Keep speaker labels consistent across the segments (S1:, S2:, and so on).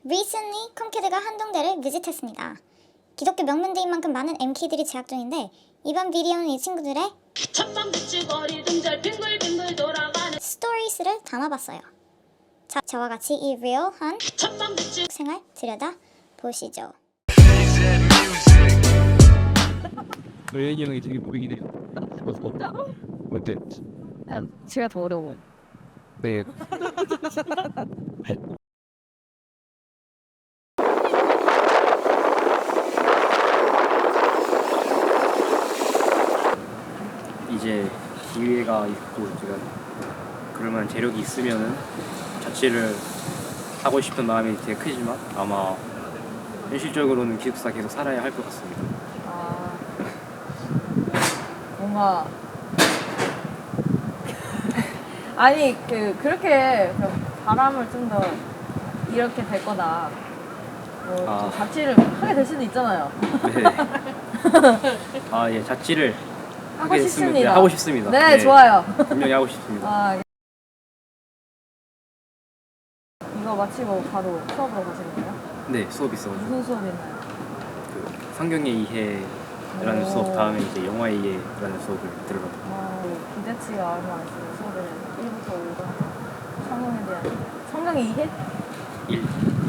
S1: Recently, 컴키드가 한동대를 비짓했습니다. 기독교 명문대인 만큼 많은 MK들이 재학 중인데 이번 비디오는 이 친구들의 스토리스를 담아봤어요. 자, 저와 같이 이 리얼한 생활 들여다보시죠.
S2: 너의 형이 되게 보이긴 해요. 어때?
S3: 제가 더 어려워요.
S2: 네.
S4: 이제 기회가 있고 제가 그럴만한 재력이 있으면은 자취를 하고 싶은 마음이 되게 크지만 아마 현실적으로는 기숙사 계속 살아야 할 것 같습니다.
S3: 뭔가 아니 그렇게 바람을 좀 더 이렇게 될 거다. 좀 자취를 하게 될 수도 있잖아요.
S4: 네. 예, 자취를
S3: 하고
S4: 하게 됐으면
S3: 싶습니다.
S4: 하고 싶습니다.
S3: 네, 좋아요.
S4: 분명히 하고 싶습니다.
S3: 이거 마치고 바로 수업으로 가시는 거예요?
S4: 네, 수업 있어가지고
S3: 무슨 수업 있나요?
S4: 그 성경의 이해라는 수업 다음에 이제 영화의 이해라는 수업을 들으러요.
S3: 기대치가 얼마 안 있어요. 수업을 1부터 5가 성경에 대한 성경의 이해?
S4: 1.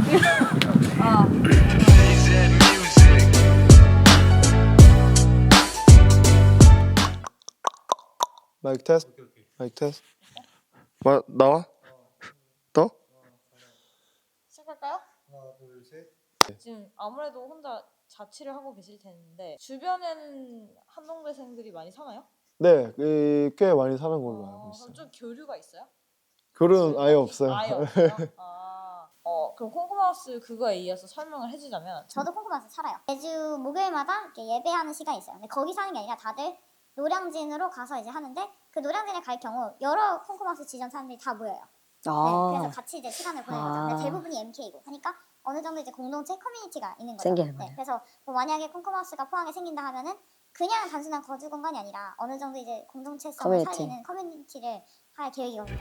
S5: 마이크 테스트. 마이크 테스트. 나와? 더?
S3: 시작할까요?
S5: 하나, 둘, 셋.
S3: 지금 아무래도 혼자 자취를 하고 계실 텐데 주변엔 한동대생들이 많이 사나요?
S5: 네, 꽤 많이 사는 걸로 알고 있어요.
S3: 그럼 좀 교류가 있어요?
S5: 글은 아예 없어요.
S3: 아예 없어요? 그럼 콩고마우스 그거에 이어서 설명을 해주자면
S1: 저도 콩쿠마에서 살아요. 매주 목요일마다 이렇게 예배하는 시간이 있어요. 근데 거기 사는 게 아니라 다들 노량진으로 가서 이제 하는데 그 노량진에 갈 경우 여러 콩쿠마우스 지점 사람들이 다 모여요. 네, 그래서 같이 이제 시간을 보내는 거죠. 근데 대부분이 MK고 하니까 어느 정도 이제 공동체 커뮤니티가 있는 거죠. 네, 그래서 뭐 만약에 콩쿠마우스가 포항에 생긴다 하면은 그냥 단순한 거주 공간이 아니라 어느 정도 이제 공동체성을 살리는 커뮤니티를 할 계획이거든요.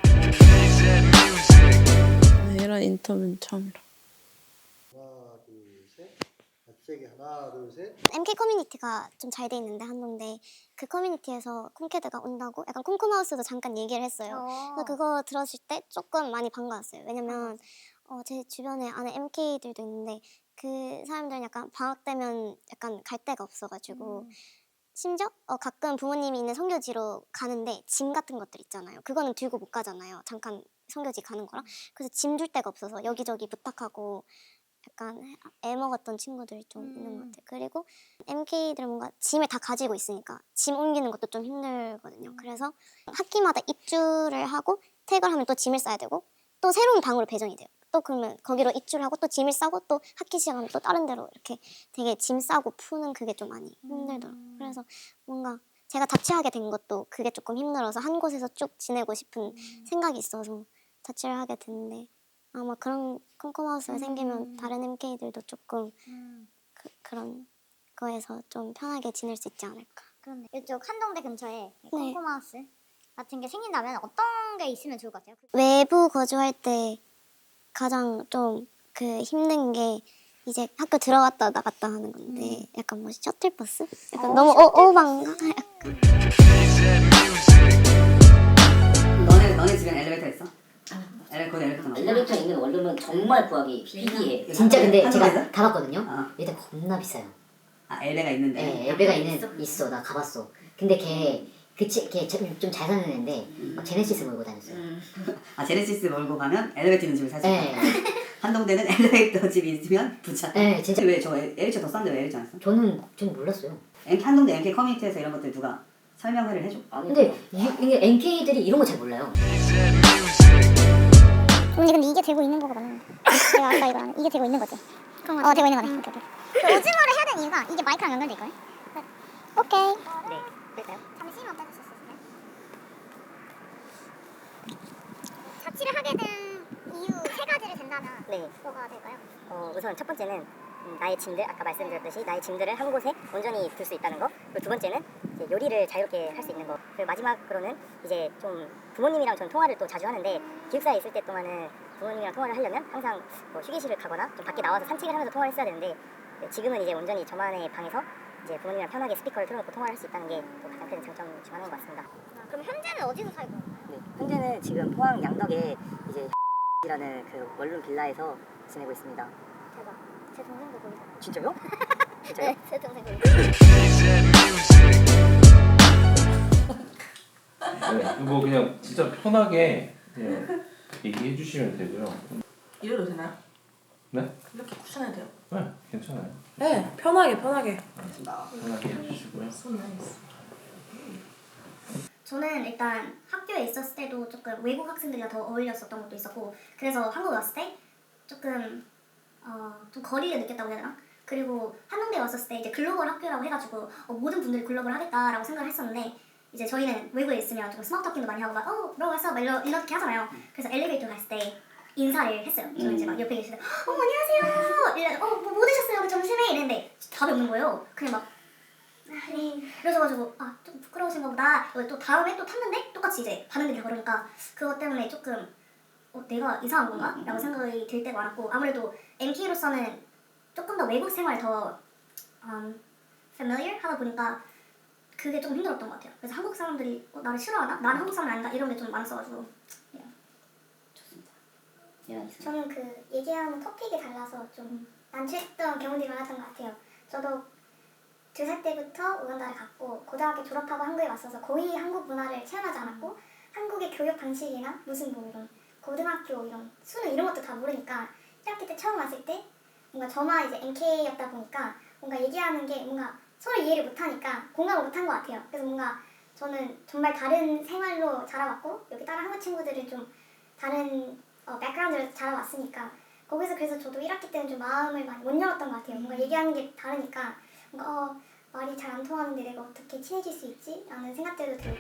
S6: 이런 인터뷰는 처음이라.
S5: 하나, 둘, 셋. 갑자기 하나, 둘, 셋.
S1: MK 커뮤니티가 좀 잘 돼 있는데 한동대 그 커뮤니티에서 콩캐드가 온다고 약간 콩쿠마우스도 잠깐 얘기를 했어요. 그래서 그거 들었을 때 조금 많이 반가웠어요. 왜냐면 제 주변에 아는 MK들도 있는데 그 사람들은 약간 방학 되면 약간 갈 데가 없어가지고 심지어 가끔 부모님이 있는 선교지로 가는데 짐 같은 것들 있잖아요. 그거는 들고 못 가잖아요. 잠깐 선교지 가는 거랑. 그래서 짐 줄 데가 없어서 여기저기 부탁하고 약간 애먹었던 친구들이 좀 있는 것 같아요. 그리고 MK들은 뭔가 짐을 다 가지고 있으니까 짐 옮기는 것도 좀 힘들거든요. 그래서 학기마다 입주를 하고 퇴근하면 또 짐을 싸야 되고 또 새로운 방으로 배정이 돼요. 또 그러면 거기로 입주를 하고 또 짐을 싸고 또 학기 시작하면 또 다른 데로 이렇게 되게 짐 싸고 푸는 그게 좀 많이 힘들더라고요. 그래서 뭔가 제가 자취하게 된 것도 그게 조금 힘들어서 한 곳에서 쭉 지내고 싶은 생각이 있어서 자취를 하게 됐는데 아마 그런 콩콩하우스가 생기면 다른 MK들도 조금 그런 거에서 좀 편하게 지낼 수 있지 않을까. 그런데 이쪽 한동대 근처에 콩콩하우스 같은 게 생긴다면 어떤 게 있으면 좋을 것 같아요? 외부 거주할 때 가장 좀 그 힘든 게 이제 학교 들어갔다 나갔다 하는 건데 약간 뭐 셔틀버스? 약간 너무 오반가?
S7: 너네 집엔 엘리베이터 있어?
S8: 엘리베이터 있는 원룸은 정말 구하기 희귀해. 진짜 근데 제가 가봤거든요. 일단 겁나 비싸요.
S7: 엘베가 있는데?
S8: 네, 엘베가 있어. 나 가봤어. 근데 걔 좀 잘 사는 애인데 제네시스 몰고 다녔어요.
S7: 제네시스 몰고 가면 엘리베이터 있는 집을 살 수 있어?
S8: 네.
S7: 한동대는 엘리베이터 집이 있으면 부자.
S8: 네, 진짜.
S7: 왜 저거 L차 더 싼데 왜 L차 안 써?
S8: 저는 몰랐어요.
S7: 한동대 MK 커뮤니티에서 이런 것들 누가 설명회를 해줘?
S8: 근데 이게 NK들이 이런 거 잘 몰라요.
S1: 언니 근데 이게 되고 있는 거가 맞는데 내가 아까 이거 이게 되고 있는 거지? 되고 있는 거네. 오케이. 그 오징어를 해야 되는 이유가 이게 마이크랑 연결돼 있거든? 오케이. 네, 될까요? 잠시만 빼주실 수 있어요? 자취를 하게 된 이유 3가지를 된다면 뭐가 될까요?
S9: 우선 첫 번째는 나의 짐들, 아까 말씀드렸듯이 나의 짐들을 한 곳에 온전히 둘 수 있다는 거. 그리고 두 번째는 이제 요리를 자유롭게 할 수 있는 거. 그리고 마지막으로는 이제 좀 부모님이랑 전 통화를 또 자주 하는데 기숙사에 있을 때 동안은 부모님이랑 통화를 하려면 항상 뭐 휴게실을 가거나 좀 밖에 나와서 산책을 하면서 통화를 했어야 되는데 네, 지금은 이제 온전히 저만의 방에서 이제 부모님이랑 편하게 스피커를 틀어놓고 통화를 할 수 있다는 게 또 가장 큰 장점 중 하나인 것 같습니다.
S1: 그럼 현재는 어디서 살고 있나요?
S9: 네, 현재는 지금 포항 양덕에 이제 이라는 그 원룸 빌라에서 지내고 있습니다.
S1: 대박. 제 동생도 거기 살아요.
S9: 진짜요? 진짜요?
S1: 네, 제 동생 거기.
S2: 네, 뭐 그냥 진짜 편하게 그냥 얘기해 주시면 되고요.
S6: 이래도 되나요?
S2: 네?
S6: 이렇게 쿠션해도 돼요?
S2: 네, 괜찮아요.
S6: 네, 편하게.
S2: 편하게 해주시고요.
S1: 저는 일단 학교에 있었을 때도 조금 외국 학생들이랑 더 어울렸었던 것도 있었고 그래서 한국에 왔을 때 조금 좀 거리를 느꼈다고 해야 되나? 그리고 한동대에 왔었을 때 이제 글로벌 학교라고 해가지고 모든 분들이 글로벌 하겠다라고 생각을 했었는데 이제 저희는 외국에 있으면 조금 스몰 토킹도 많이 하고 막 뭐라고 했어? 막 이렇게 하잖아요. 그래서 엘리베이터 갔을 때 인사를 했어요. 저는 이제 막 옆에 계시는데 안녕하세요. 이래서 뭐 드셨어요? 우리 점심에 이랬는데 답이 없는 거예요. 그냥 막 네. 그래서가지고 좀 부끄러우신가 보다. 또 다음에 또 탔는데 똑같이 이제 반응들이 그러니까 그것 때문에 조금 내가 이상한 건가? 라고 생각이 들 때가 많았고 아무래도 MK로서는 조금 더 외국 생활 더 familiar 하다 보니까 그게 좀 힘들었던 것 같아요. 그래서 한국 사람들이 나를 싫어하나? 나는 한국 사람 아닌가? 이런 게 좀 많았어가지고 저는 그 얘기하는 토픽이 달라서 좀 난처했던 경우들이 많았던 것 같아요. 저도 2살 때부터 우간다를 갔고 고등학교 졸업하고 한국에 왔어서 거의 한국 문화를 체험하지 않았고 한국의 교육 방식이나 무슨 뭐 이런 고등학교 이런 수능 이런 것도 다 모르니까 1학기 때 처음 왔을 때 뭔가 저만 이제 MK였다 보니까 뭔가 얘기하는 게 뭔가 서로 이해를 못하니까 공감을 못한 것 같아요. 그래서 뭔가 저는 정말 다른 생활로 자라왔고 여기 다른 한국 친구들은 좀 다른 백그라운드를 자라왔으니까 거기서 그래서 저도 1학기 때는 좀 마음을 많이 못 열었던 것 같아요. 뭔가 얘기하는 게 다르니까 뭔가 말이 잘 안 통하는데 내가 어떻게 친해질 수 있지? 라는 생각들도 들고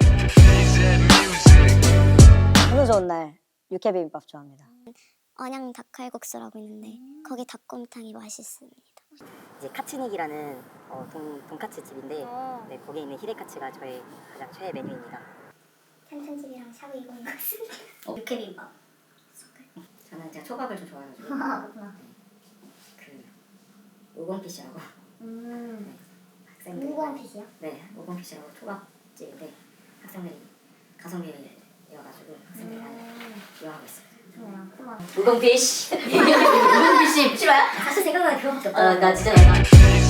S9: 오늘 좋은 날 육회비빔밥 좋아합니다.
S1: 언양 닭칼국수라고 있는데 거기 닭곰탕이 맛있습니다.
S9: 이제 카츠닉이라는 돈카츠 집인데 네, 거기에 있는 히레카츠가 저의 가장 최애 메뉴입니다.
S1: 탄탄집이랑 샤브 이거 있습니다. 육회비빔밥.
S9: 저는 제가 초밥을 좀 좋아해가지고
S1: 그렇구나.
S9: 그 오건피시라고 학생들이
S1: 무공피시요?
S9: 네, 오건피시라고 초밥집인데 학생들이 가성비여가지고 학생들이 많이 이용하고 있어요. 우건피시 우건피시 싫어요?
S1: 사실 생각보다 그거밖에 없다.
S9: 나 진짜